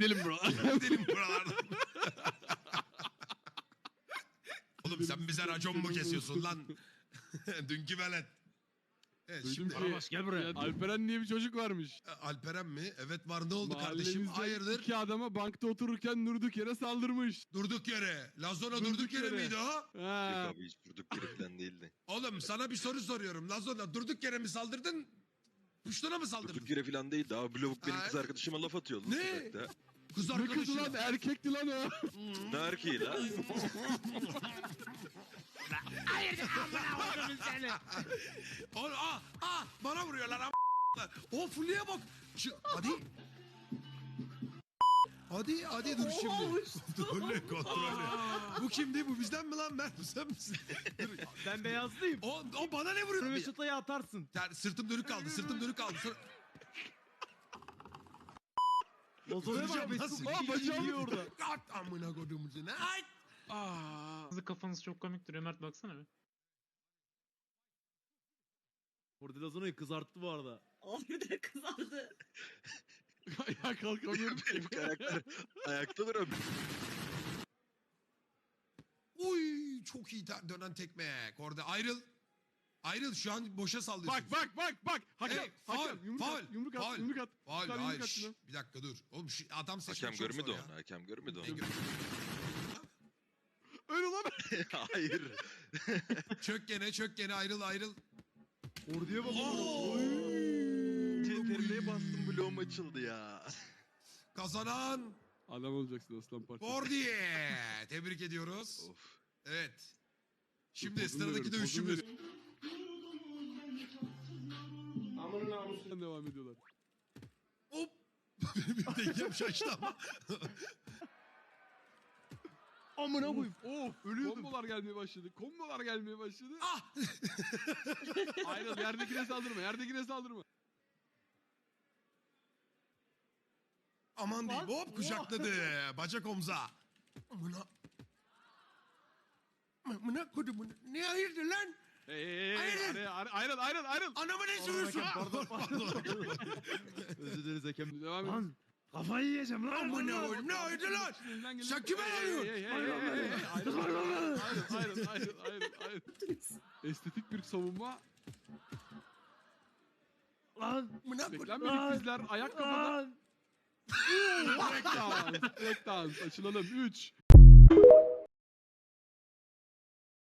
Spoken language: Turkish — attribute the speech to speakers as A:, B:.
A: Gidelim bro.
B: Gidelim buralardan. Oğlum sen bize racon mu kesiyorsun lan? Dünkü velet. Evet
A: Duydum
B: şimdi
A: ki
C: Karabaş, gel buraya.
A: Alperen diye bir çocuk varmış.
B: Alperen mi? Evet var, ne oldu kardeşim?
A: Mahallemizde
B: Hayırdır?
A: iki adama bankta otururken durduk yere saldırmış.
B: Durduk yere. Lazona
A: Durduk
B: durduk yere
A: yere.
B: miydi o?
D: Yok
A: Ha.
D: abi hiç durduk yere falan değildi.
B: Oğlum sana bir soru soruyorum. Lazona durduk yere mi saldırdın? Puştuna mı saldırdın?
D: Durduk yere falan değildi abi. Bu lavuk benim
B: Ha.
D: kız arkadaşıma laf atıyor.
B: Ne?
D: Sokakta.
B: Kız
A: Ne kızı lan,
B: arkadaşına.
A: erkekti lan o.
D: Ne erkeği lan?
B: Bana vuruyorlar am. O Fulya'ya bak. Hadi. Hadi dur şimdi. Kontrollü. Bu kimdi? Bu bizden mi lan? Ben sen misin?
C: Ben beyazlıyım.
B: O bana ne vuruyor?
C: Röveşatayı atarsın.
B: Yani sırtım dönük kaldı.
C: Lazona'ya
B: Hocam,
C: bak.
B: nasıl?
C: Mesut bacağım yiyor orada.
B: At amına kodumun seni. Ay.
E: Sizin kafanız çok komik duruyor Mert, baksana bir.
C: Orada Lazona'yı kızarttı bu arada.
F: Abi de kızardı.
A: Ayağa kalkamıyorum.
D: Ayakta duram.
B: Uy çok iyi dönen tekme. Orada ayrıl şu an boşa sallıyorsun.
A: Bak. Hakem.
B: Hey,
A: Hakem. Yumruk at. Yumruk at. Yumruk at.
B: Faul,
A: Yukarı
B: hayır.
A: yumruk at
B: Şşş,
A: şuna.
B: bir dakika dur. Oğlum şu adam seçmek
D: Hakem
B: çok
D: görmedi
B: zor
D: onu.
B: ya.
D: Hakem görmedi onu.
B: Ne gör-
A: Öyle lan.
D: Hayır.
B: Çök gene ayrıl.
C: Orduya bak.
D: Terimeye bastım bloğum açıldı ya.
B: Kazanan
A: Adam olacaksın aslan parçası.
B: Bordiye. Tebrik ediyoruz.
D: Of.
B: Evet. Şimdi
A: Pozunu
B: sıradaki
A: veriyorum,
B: dövüşümüz.
A: pozunu Devam ediyorlar.
B: Hop. Bir dengem şaştı ama.
C: Amına koyayım.
A: Of ölüyordum. Kombolar gelmeye başladı.
B: Ah.
A: Ayrıl, yerdekine saldırma.
B: Aman diyeyim. Hop kucakladı. Bacak omza. Amına kodumun. Ne hayırdır lan?
A: Hey,
B: Ayrıl.
A: ayrıl.
B: Anamı ne sürüyorsun?
C: Özür dileriz hakem.
A: Devam et.
C: Lan kafayı yiyeceğim lan.
B: Amına koyayım. Ne hayırdır lan? Sen kime arıyorsun?
A: Ayrıl. Estetik bir savunma.
C: Lan.
B: Amına koyayım.
A: Beklenmedik bizler. Ayak kafada.
C: Lan.
A: Breakdance. Açılalım. 3,